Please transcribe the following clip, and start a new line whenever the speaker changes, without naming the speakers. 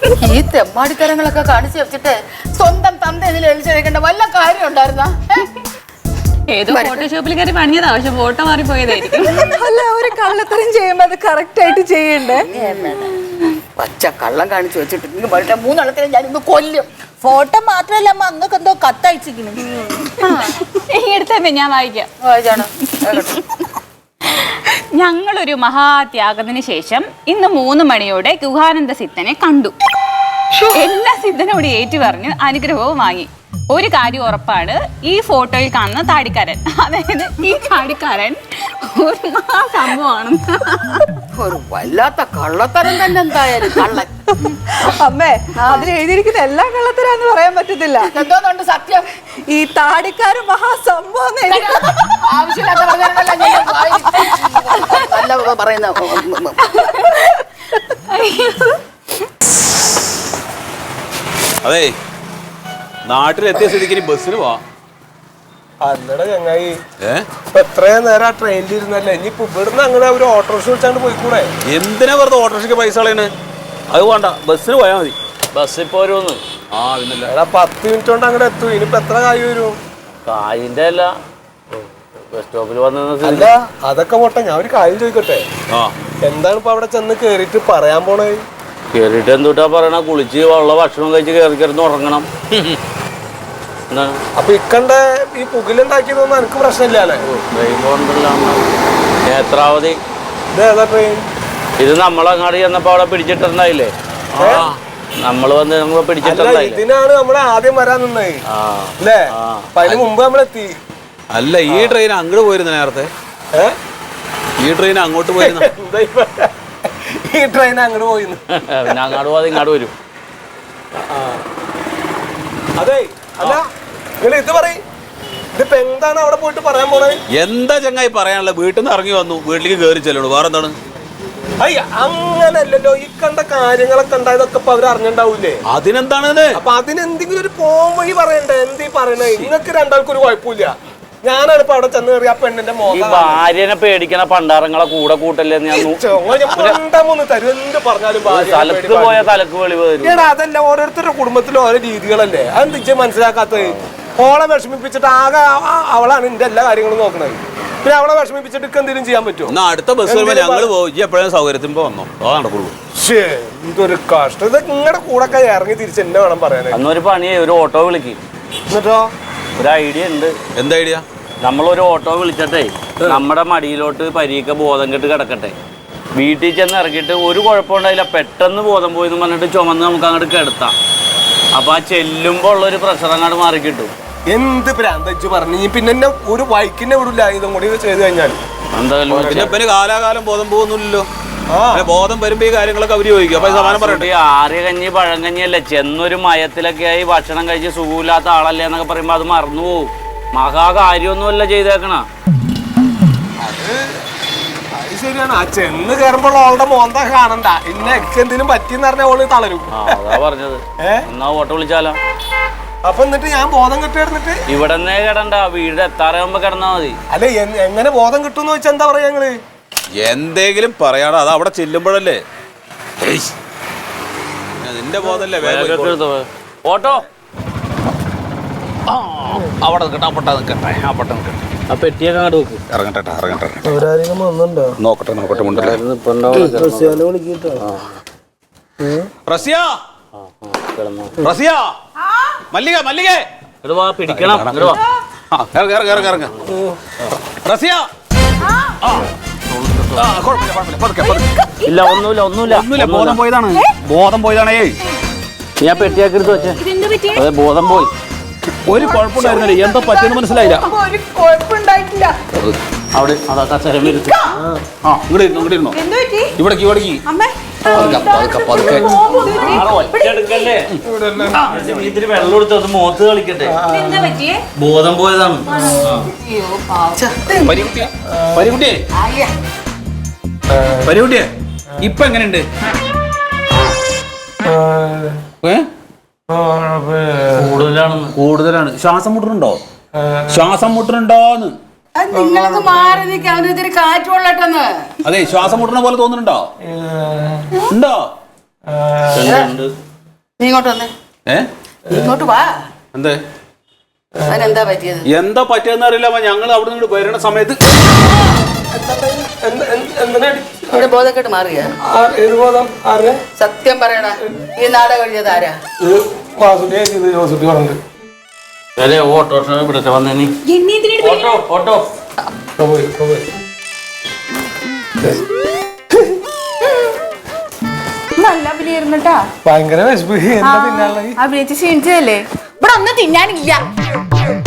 ഈ തെമ്മാടിത്തരങ്ങളൊക്കെ കാണിച്ചു വെച്ചിട്ട് സ്വന്തം തന്ത ഇതിൽ എഴുതിച്ചേക്കേണ്ട വല്ല കാര്യം ഉണ്ടായിരുന്ന?
ഏതോ ഫോട്ടോഷോപ്പിൽ കയറി പണിയതാ, പക്ഷെ ഫോട്ടോ മാറിപ്പോയതായിരിക്കും.
അല്ല, ഒരു കള്ളത്തരം ചെയ്യുമ്പോ അത് കറക്റ്റ് ആയിട്ട് ചെയ്യണ്ടേ?
പച്ച കള്ളം കാണിച്ചു വെച്ചിട്ട് നിങ്ങൾ വളരെ മൂന്നെണ്ണത്തിനെ ഞാൻ ഇന്ന് കൊല്ലും.
ഫോട്ടോ മാത്രല്ല അമ്മ, അങ്ങക്ക് എന്തോ കത്തയച്ചിരിക്കുന്നു.
എടുത്തേ, ഞാൻ വായിക്കാം.
വായിച്ചാണ്.
ഞങ്ങളൊരു മഹാത്യാഗത്തിന് ശേഷം ഇന്ന് 3 മണിയോടെ ഗുഹാനന്ദ സിദ്ധനെ കണ്ടു. എല്ലാ സിദ്ധനോട് ഏറ്റുപറഞ്ഞ് അനുഗ്രഹവും വാങ്ങി. ഒരു കാര്യം ഉറപ്പാണ്, ഈ ഫോട്ടോയിൽ കാണുന്ന താടിക്കാരൻ, അതായത് ഈ താടിക്കാരൻ ഒരു സംഭവമാണ്.
ഒരു വല്ലാത്ത കള്ളത്തരം തന്നെ എന്തായാലും കള്ളൻ.
അമ്മേ, അതിൽ എഴുതിയിരിക്കുന്ന എല്ലാ കള്ളത്തരാന്ന് പറയാൻ പറ്റത്തില്ല.
എന്തോന്നുണ്ട് സത്യം?
ഈ താടിക്കാരൻ മഹാസംഭവം
ആവശ്യമില്ലാത്ത പറയുന്ന.
അതെ, നാട്ടിലെത്തിയ സ്ഥിതിക്ക് ഇനി ബസ്സിന് പോവാ.
അല്ലട ചങ്ങായി, എത്രയും നേരം ആ ട്രെയിനിൽ ഇരുന്നല്ലേ, ഇനിയിപ്പോ ഇവിടുന്ന് അങ്ങനെ ഒരു ഓട്ടോറിക്ഷ വിളിച്ചാണ്ട് പോയിക്കൂടെ?
എന്തിനാ വെറുതെ ഓട്ടോറിക്ഷയ്ക്ക് പൈസ കളയണ്? അത് വേണ്ട, ബസ്സിന് പോയാൽ മതി.
ബസ് ഇപ്പൊ വരുമെന്ന്.
ആ പിന്നല്ല,
10 മിനിറ്റ് കൊണ്ട് അങ്ങനെ എത്തും. ഇനിയിപ്പോ എത്ര കായ് വരും?
കായിന്റെ അല്ല, ബസ് സ്റ്റോപ്പിൽ വന്ന.
അല്ല, അതൊക്കെ പോട്ടെ, ഞാൻ ഒരു കാര്യം ചോദിക്കട്ടെ. എന്താണ് ഇപ്പൊ അവിടെ ചെന്ന് കേറിയിട്ട് പറയാൻ പോണേ?
കേറിട്ട് എന്തുട്ടാ പറയണ, കുളിച്ച് ഉള്ള ഭക്ഷണം കഴിച്ച് കയറി കിടന്ന് ഉറങ്ങണം. എന്താണ്
അപ്പൊ ഇക്കണ്ട ഈ പുകിലുണ്ടാക്കിയതൊന്നും എനിക്ക് പ്രശ്നമില്ലല്ലേ?
ട്രെയിൻ പോകണ്ടല്ലോ. നേത്രാവതി.
ഇതേതാ ട്രെയിൻ?
ഇത് നമ്മളങ്ങാട് ചെന്നപ്പോ അവിടെ പിടിച്ചിട്ടുണ്ടായില്ലേ? നമ്മള് വന്ന് നമ്മള് പിടിച്ചിട്ടുണ്ടായില്ലേ?
ഇതിനാണ് നമ്മള് ആദ്യം വരാൻ നിന്നത് അല്ലേ? അപ്പൊ അതിന് മുമ്പ് നമ്മളെത്തി.
അല്ല, ഈ ട്രെയിൻ അങ്ങോട്ട് പോയിരുന്നു നേരത്തെ. ഈ ട്രെയിൻ അങ്ങോട്ട് പോയിരുന്നു.
ഈ ട്രെയിൻ അങ്ങോട്ട് പോയിന്ന്.
പിന്നെ അങ്ങോട്ട് പോകാതെ ഇങ്ങോട്ട് വരും.
അതെ, അല്ല നിങ്ങൾ ഇത് പറയും, ഇതിപ്പോ എന്താണ് അവിടെ പോയിട്ട് പറയാൻ പോണേ?
എന്താ ചങ്ങായി പറയാനുള്ള? വീട്ടിൽ നിന്ന് ഇറങ്ങി വന്നു, വീട്ടിലേക്ക് കയറി ചെല്ലണു. വേറെ എന്താണ്?
അയ്യ, അങ്ങനല്ലല്ലോ. ഈ കണ്ട കാര്യങ്ങളൊക്കെ ഉണ്ടായതൊക്കെ ഇപ്പൊ അവര് അറിഞ്ഞിണ്ടാവൂലേ?
അതിനെന്താണ്?
അപ്പൊ അതിനെന്തെങ്കിലും ഒരു പോം വഴി പറയണ്ടേ? എന്തീ പറയണേ? നിങ്ങൾക്ക് രണ്ടാൾക്കും ഒരു കുഴപ്പമില്ല. ഞാനാണ് ഇപ്പൊ അവിടെ ചെന്ന് കയറി ആ പെണ്ണിന്റെ
ഈ ഭാര്യനെ പേടിക്കണ പണ്ടാരങ്ങളെ കൂടെ കൂട്ടല്ലേ?
തരും എന്ത് പറഞ്ഞാലും
തലക്ക് പോയ തലക്ക് വെളിവ് തരും.
അതല്ല, ഓരോരുത്തരുടെ കുടുംബത്തിലും ഓരോ രീതികളല്ലേ? അതെന്താ മനസ്സിലാക്കാത്തത്? ഓളെ വിഷമിപ്പിച്ചിട്ട് ആകെ അവളാണ് എന്റെ എല്ലാ കാര്യങ്ങളും നോക്കണത്. പിന്നെ അവളെ വിഷമിപ്പിച്ചിട്ട് എന്തെങ്കിലും ചെയ്യാൻ പറ്റുമോ?
അടുത്ത ബസ് ഞങ്ങൾ പോകും. എപ്പോഴും സൗകര്യത്തിന് വന്നോ, നടക്കുള്ളൂ.
ഇതൊരു കഷ്ടം. ഇത് നിങ്ങളുടെ കൂടെ ഒക്കെ ഇറങ്ങി തിരിച്ച് എന്നെ വേണം പറയാനേ.
അന്നൊരു പണിയെ, ഒരു ഓട്ടോ വിളിക്കും.
എന്നിട്ടോ?
ഒരു ഐഡിയ ഉണ്ട്.
എന്താ ഐഡിയ?
നമ്മളൊരു ഓട്ടോ വിളിച്ചിട്ടേ നമ്മുടെ മടിയിലോട്ട് പരീക്ക ബോധം കെട്ട് കിടക്കട്ടെ. വീട്ടിൽ ചെന്ന് ഇറക്കിയിട്ട് ഒരു കുഴപ്പമുണ്ടായില്ല, പെട്ടെന്ന് ബോധം പോയി എന്ന് പറഞ്ഞിട്ട് ചുമന്ന് നമുക്ക് അങ്ങോട്ട് കിടത്താം. അപ്പൊ ആ ചെല്ലുമ്പോ ഉള്ളൊരു പ്രഷർ അങ്ങോട്ട് മാറി കിട്ടും.
എന്ത് പ്രാന്തച്ച് പറഞ്ഞു? പിന്നെ എന്നെ ഒരു വൈക്കിനെ വിടില്ല ഇതും കൂടി ചെയ്ത് കഴിഞ്ഞാൽ.
എന്തായാലും കാലാകാലം ബോധം പോകുന്നില്ലല്ലോ. ബോധം വരുമ്പോ ഈ കാര്യങ്ങളൊക്കെ അവര് ചോദിക്കും. അപ്പൊ സമാനം പറയട്ടെ.
ആര്യ കഞ്ഞി പഴങ്കഞ്ഞിയല്ലേ, ചെന്നൊരു മയത്തിലൊക്കെ ആയി ഭക്ഷണം കഴിച്ച് സുഖമില്ലാത്ത ആളല്ലേ എന്നൊക്കെ പറയുമ്പോ അത് മറന്നു പോവും. മഹാകാര്യമൊന്നുമല്ല ചെയ്തേക്കണ.
അത് ശരിയാണ്. ആ ചെന്ന് കയറുമ്പോൾ അവളുടെ മോന്ത കാണണ്ട. ഇന്നെ എന്തിനും പറ്റിയെന്ന് പറഞ്ഞ ഓള് തളരും.
അതാ പറഞ്ഞത്. എന്നാ ഓട്ടോ വിളിച്ചാലോ?
അപ്പൊ എന്നിട്ട് ഞാൻ ബോധം കിട്ടിയിരുന്നിട്ട്
ഇവിടെ നിന്നേ കിടണ്ട, വീട് എത്താറാകുമ്പോ കിടന്നാ മതി.
അല്ല, എങ്ങനെ ബോധം കിട്ടുമെന്ന് വെച്ചാൽ എന്താ പറയാ ഞങ്ങള്?
എന്തെങ്കിലും പറയാടോ, അത് അവിടെ ചെല്ലുമ്പോഴല്ലേ. നിന്റെ ബോധല്ലേ
ഓട്ടോ
അവിടെ നിൽക്കട്ടെ.
ആ പെട്ടിയൊക്കെ അങ്ങോട്ട് നോക്ക്.
ഇറങ്ങട്ടെ. നോക്കട്ടെ. മല്ലിക
പിടിക്കണം. ഇല്ല, ഒന്നുമില്ല.
ബോധം പോയതാണേ.
ഞാൻ പെട്ടിയാക്കി എടുത്ത് വെച്ചേ. അതെ, ബോധം പോയി.
ഒരു കുഴപ്പമുണ്ടായിരുന്നില്ല. എന്താ പറ്റിയെന്ന് മനസ്സിലായില്ല.
ഒരു കുഴപ്പമുണ്ടായിട്ടില്ല.
അവിടെ അതാ കസേര ഇരുന്നു.
ഇങ്ങോട്ടിരുന്നോ? ഇവിടേക്ക്
ഇതിന് വെള്ളം എടുത്ത് അത് മുഖത്ത് കളിക്കട്ടെ. ബോധം പോയതാണ്.
പരികുട്ടിയെ ഇപ്പൊ എങ്ങനെയുണ്ട്? കൂടുതലാണ്. ശ്വാസം മുട്ടുന്നുണ്ടോന്ന്?
നിങ്ങളൊക്കെ മാറി നിൽക്കുക. അവനൊത്തിരി കാറ്റ് കൊള്ളട്ടെന്ന്.
അതെ, ശ്വാസം മുട്ടണ പോലെ തോന്നുന്നുണ്ടോ? ഉണ്ടോ?
നീ ഇങ്ങോട്ട് വന്നേ. ഇങ്ങോട്ട് വാ.
എന്തേ
അതിനെന്താ പറ്റിയത്?
എന്താ പറ്റിയെന്ന് അറിയില്ല. അപ്പൊ ഞങ്ങൾ അവിടെ നിന്ന് വരണ സമയത്ത്
ഇവിടെ ബോധക്കെട്ട് മാറിയ
ഏത് ബോധം? ആരുടെ?
സത്യം പറയടാ, ഈ നാടകം എഴുതിയത് ആരാ?
ജോസുട്ടി പറഞ്ഞു.
ഓട്ടോറിക്ഷ ഇവിടുത്തെ വന്നേ നീ. ഓട്ടോ ഓട്ടോ
നല്ല അഭിനയായിരുന്നുട്ടാ.
ഭയങ്കര വിശപ്പ്. എന്താ പിന്നാലെ
അഭിനയിച്ച് ക്ഷീണിച്ചതല്ലേ?
ഇവിടെ ഒന്നും തിന്നാനില്ല.